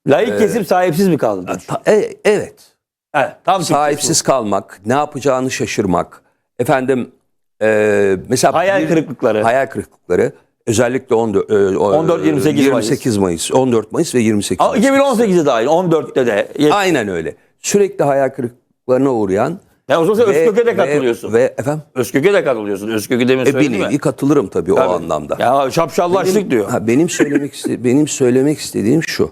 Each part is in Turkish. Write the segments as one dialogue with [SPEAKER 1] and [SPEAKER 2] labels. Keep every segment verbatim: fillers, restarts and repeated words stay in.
[SPEAKER 1] Laik
[SPEAKER 2] Ee,
[SPEAKER 1] kesim sahipsiz mi kaldı?
[SPEAKER 2] Ta- e- evet.
[SPEAKER 1] Evet, tam
[SPEAKER 2] Sahipsiz kalmak, ne yapacağını şaşırmak. Efendim e, mesela
[SPEAKER 1] Hayal
[SPEAKER 2] bir-
[SPEAKER 1] kırıklıkları.
[SPEAKER 2] Hayal kırıklıkları. Özellikle on dört, e, o-
[SPEAKER 1] on dört, yirmi sekiz
[SPEAKER 2] yirmi sekiz Mayıs, on dört Mayıs ve yirmi sekiz
[SPEAKER 1] Ama
[SPEAKER 2] Mayıs.
[SPEAKER 1] iki bin on sekizde dahil, on dörtte de.
[SPEAKER 2] Aynen öyle. Sürekli hayal kırıklıklarına uğrayan.
[SPEAKER 1] Ya o zaman sen
[SPEAKER 2] ve-
[SPEAKER 1] Özkök'e de
[SPEAKER 2] ve-
[SPEAKER 1] katılıyorsun.
[SPEAKER 2] Ve, efendim?
[SPEAKER 1] Özkök'e de katılıyorsun. Özkök'ü demin
[SPEAKER 2] E, bir
[SPEAKER 1] söyledin
[SPEAKER 2] nevi
[SPEAKER 1] mi?
[SPEAKER 2] katılırım tabii,
[SPEAKER 1] Tabii.
[SPEAKER 2] o anlamda.
[SPEAKER 1] Ya şapşallaştık
[SPEAKER 2] Benim,
[SPEAKER 1] diyor.
[SPEAKER 2] ha, benim söylemek iste- benim söylemek istediğim şu.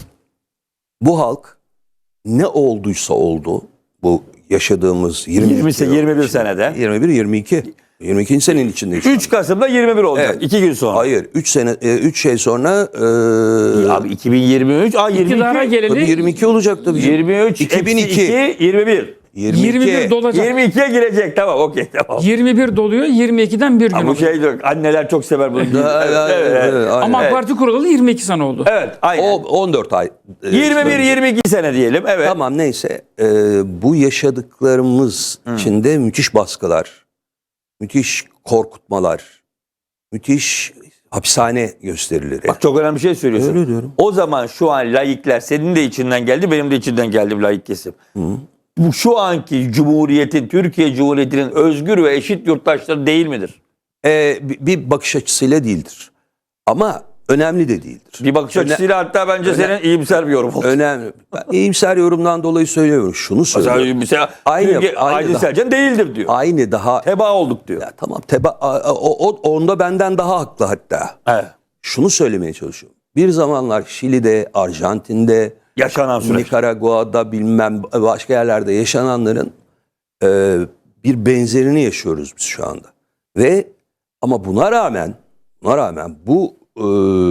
[SPEAKER 2] Bu halk ne olduysa oldu, bu yaşadığımız yirmi
[SPEAKER 1] yirmi, yirmi bir senede.
[SPEAKER 2] yirmi bir yirmi iki yirmi ikinci senenin içindeyiz. şu
[SPEAKER 1] üç Kasım'da yirmi bir olacak.
[SPEAKER 2] Evet.
[SPEAKER 1] iki gün sonra.
[SPEAKER 2] Hayır, üç sene üç şey sonra e,
[SPEAKER 1] Abi iki bin yirmi üç, aa
[SPEAKER 3] İktidara
[SPEAKER 1] yirmi iki.
[SPEAKER 2] tabii
[SPEAKER 3] geleli
[SPEAKER 2] yirmi iki olacak tabii.
[SPEAKER 1] yirmi üç,
[SPEAKER 2] iki bin iki.
[SPEAKER 1] iki, yirmi bir.
[SPEAKER 3] yirmi bir dolacak.
[SPEAKER 1] yirmi ikiye girecek, tamam, okey, tamam.
[SPEAKER 3] yirmi bir doluyor, yirmi ikiden bir gün
[SPEAKER 1] Ha, bu
[SPEAKER 3] oluyor.
[SPEAKER 1] şey diyor, anneler çok sever bunu.
[SPEAKER 2] Evet,
[SPEAKER 1] Evet, evet, evet.
[SPEAKER 2] evet,
[SPEAKER 3] Ama AK
[SPEAKER 1] Evet.
[SPEAKER 3] Parti kurulalı yirmi iki sene oldu.
[SPEAKER 1] Evet, aynen.
[SPEAKER 2] O on dört ay. e,
[SPEAKER 1] yirmi bir
[SPEAKER 2] önce.
[SPEAKER 1] yirmi iki sene diyelim, evet.
[SPEAKER 2] Tamam, neyse. E, bu yaşadıklarımız içinde müthiş baskılar, müthiş korkutmalar, müthiş hapishane gösterileri.
[SPEAKER 1] Bak çok önemli bir şey söylüyorsun.
[SPEAKER 2] Öyle diyorum.
[SPEAKER 1] O zaman şu an laikler, senin de içinden geldi, benim de içinden geldi bu laik kesim. Bu şu anki Cumhuriyet'in, Türkiye Cumhuriyeti'nin özgür ve eşit yurttaşları değil midir?
[SPEAKER 2] E, bir- bir bakış açısıyla değildir. Ama önemli de değildir.
[SPEAKER 1] Bir bakış
[SPEAKER 2] Öne-
[SPEAKER 1] açısıyla hatta bence
[SPEAKER 2] öne-
[SPEAKER 1] senin iyimser bir yorum oldu.
[SPEAKER 2] Önemli. Ben iyimser yorumdan dolayı söylüyorum. Şunu söylüyorum.
[SPEAKER 1] Mesela, mesela
[SPEAKER 2] Aynı-
[SPEAKER 1] Türkiye-
[SPEAKER 2] aynı
[SPEAKER 1] Aydın
[SPEAKER 2] da-
[SPEAKER 1] Selcan değildir diyor.
[SPEAKER 2] Aynı daha.
[SPEAKER 1] Teba olduk diyor.
[SPEAKER 2] Ya tamam, teba, a- o, o- onda benden daha haklı hatta.
[SPEAKER 1] Evet.
[SPEAKER 2] Şunu söylemeye çalışıyorum. Bir zamanlar Şili'de, Arjantin'de,
[SPEAKER 1] Yaşanan süreç.
[SPEAKER 2] Nikaragua'da, bilmem başka yerlerde yaşananların e, bir benzerini yaşıyoruz biz şu anda. Ve ama buna rağmen buna rağmen bu e,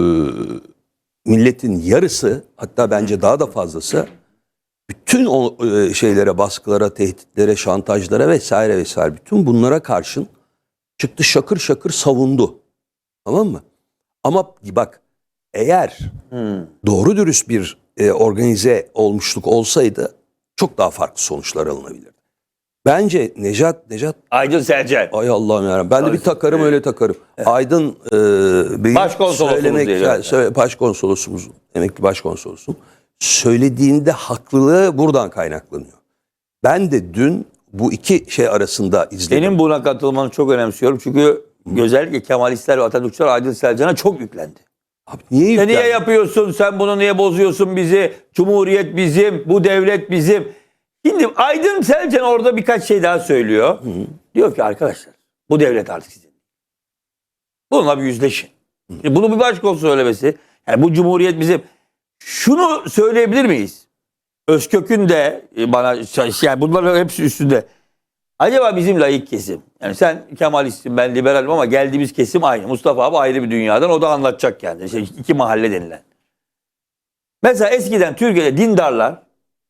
[SPEAKER 2] milletin yarısı, hatta bence daha da fazlası, bütün o e, şeylere, baskılara, tehditlere, şantajlara vesaire vesaire, bütün bunlara karşın çıktı, şakır şakır savundu. Tamam mı? Ama bak, eğer doğru dürüst bir e, organize olmuşluk olsaydı çok daha farklı sonuçlar alınabilirdi. Bence Necat, Necat,
[SPEAKER 1] Aydın Selcan.
[SPEAKER 2] ay Allah'ım yarabbim, ben de bir takarım, öyle takarım. Aydın e, Bey'in
[SPEAKER 1] Başkonsolosumuz
[SPEAKER 2] söylemek,
[SPEAKER 1] diyelim.
[SPEAKER 2] yani söyle- başkonsolosumuz, emekli başkonsolosum, söylediğinde haklılığı buradan kaynaklanıyor. Ben de dün bu iki şey arasında izledim.
[SPEAKER 1] Senin buna katılmanı çok önemsiyorum. Çünkü özellikle Kemalistler ve Atatürkçüler Aydın Selcan'a çok yüklendi.
[SPEAKER 2] Abi niye
[SPEAKER 1] Sen
[SPEAKER 2] yüklendi?
[SPEAKER 1] niye yapıyorsun? Sen bunu niye bozuyorsun bizi? Cumhuriyet bizim, bu devlet bizim. Şimdi Aydın Selcan orada birkaç şey daha söylüyor. Diyor ki arkadaşlar, bu devlet artık sizin. Bununla bir yüzleşin. Şimdi bunu bir başkonsol söylemesi. Yani bu cumhuriyet bizim. Şunu söyleyebilir miyiz? Özkök'ün de bana, yani bunların hepsi üstünde. Acaba bizim laik kesim, yani sen Kemalistsin, ben liberalim ama geldiğimiz kesim aynı. Mustafa abi ayrı bir dünyadan, o da anlatacak kendini. İşte iki mahalle denilen. Mesela eskiden Türkiye'de dindarlar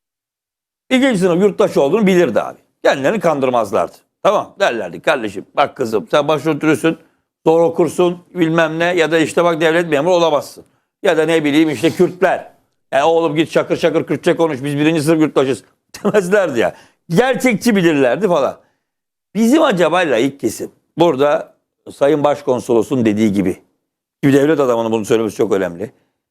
[SPEAKER 1] ikinci sınıf yurttaş olduğunu bilirdi abi. Kendilerini kandırmazlardı. Tamam, derlerdi kardeşim bak kızım sen başörtülüsün, zor okursun bilmem ne, ya da işte bak devlet memuru olamazsın. Ya da ne bileyim işte Kürtler. Yani oğlum git şakır şakır Kürtçe konuş, biz birinci sınıf yurttaşız demezlerdi ya. Gerçekçi bilirlerdi falan. Bizim acaba laik kesim, burada Sayın Başkonsolos'un dediği gibi, bir devlet adamının bunu söylemesi çok önemli.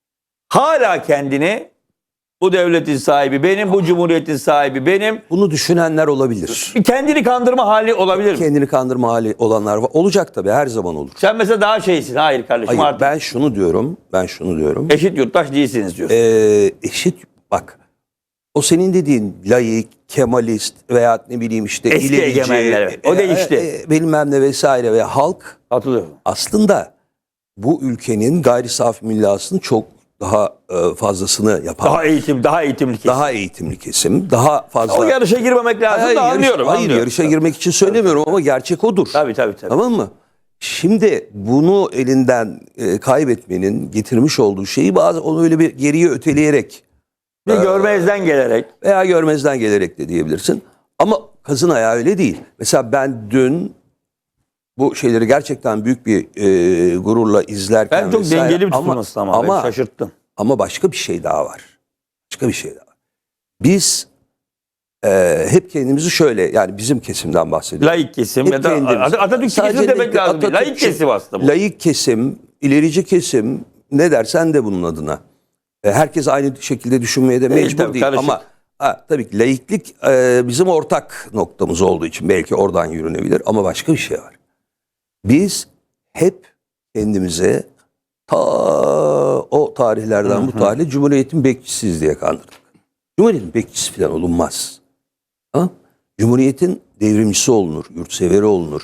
[SPEAKER 1] Hala kendini bu devletin sahibi benim, bu cumhuriyetin sahibi benim,
[SPEAKER 2] Bunu düşünenler olabilir.
[SPEAKER 1] bir kendini kandırma hali olabilir mi?
[SPEAKER 2] Kendini kandırma hali olanlar var. Olacak tabii, her zaman olur.
[SPEAKER 1] Sen mesela daha şeysin, hayır kardeşim
[SPEAKER 2] Hayır,
[SPEAKER 1] artık
[SPEAKER 2] ben şunu diyorum, ben şunu diyorum.
[SPEAKER 1] eşit yurttaş değilsiniz diyorsun.
[SPEAKER 2] Ee, eşit, bak, o senin dediğin laik, Kemalist veya ne bileyim işte
[SPEAKER 1] Eski
[SPEAKER 2] ilerici,
[SPEAKER 1] egemenler, evet. O değişti.
[SPEAKER 2] e, e, bilmem ne vesaire ve halk
[SPEAKER 1] Hatırlıyorum.
[SPEAKER 2] aslında bu ülkenin gayri safi millasının çok daha e, fazlasını yapan,
[SPEAKER 1] Daha eğitim, daha eğitimli kesim.
[SPEAKER 2] daha eğitimli kesim, daha fazla...
[SPEAKER 1] O yarışa girmemek lazım
[SPEAKER 2] Hayır,
[SPEAKER 1] da
[SPEAKER 2] yarış-
[SPEAKER 1] anlıyorum.
[SPEAKER 2] hayır,
[SPEAKER 1] anlıyorum.
[SPEAKER 2] yarışa girmek için söylemiyorum ama gerçek odur.
[SPEAKER 1] Tabii tabii tabii.
[SPEAKER 2] Tamam mı? Şimdi bunu elinden e, kaybetmenin getirmiş olduğu şeyi bazen onu öyle bir geriye öteleyerek
[SPEAKER 1] Bir görmezden gelerek.
[SPEAKER 2] veya görmezden gelerek de diyebilirsin. Ama kazın ayağı öyle değil. Mesela ben dün bu şeyleri gerçekten büyük bir e, gururla izlerken
[SPEAKER 1] Ben çok
[SPEAKER 2] vesaire-
[SPEAKER 1] dengeli bir
[SPEAKER 2] ama,
[SPEAKER 1] tutulması ama,
[SPEAKER 2] ama,
[SPEAKER 1] beni şaşırttın.
[SPEAKER 2] ama başka bir şey daha var. Başka bir şey daha var. Biz e, hep kendimizi şöyle, yani bizim kesimden bahsediyorum.
[SPEAKER 1] Laik kesim
[SPEAKER 2] Hep
[SPEAKER 1] ya da
[SPEAKER 2] kendimiz.
[SPEAKER 1] At- Atatürkçü
[SPEAKER 2] Sadece
[SPEAKER 1] kesim demek
[SPEAKER 2] laik-
[SPEAKER 1] lazım. değil. Laik
[SPEAKER 2] Atatürkçü,
[SPEAKER 1] kesim aslında bu.
[SPEAKER 2] Laik kesim, ilerici kesim, ne dersen de bunun adına. E, herkes aynı şekilde düşünmeye de
[SPEAKER 1] Değil,
[SPEAKER 2] mecbur
[SPEAKER 1] tabii,
[SPEAKER 2] değil.
[SPEAKER 1] karışık.
[SPEAKER 2] Ama ha, tabii ki laiklik e, bizim ortak noktamız olduğu için belki oradan yürünebilir. Ama başka bir şey var. Biz hep kendimize ta o tarihlerden bu tarihe Cumhuriyet'in bekçisiyiz diye kandırdık. Cumhuriyet'in bekçisi falan olunmaz. Ha? Cumhuriyet'in devrimcisi olunur, yurtseveri olunur.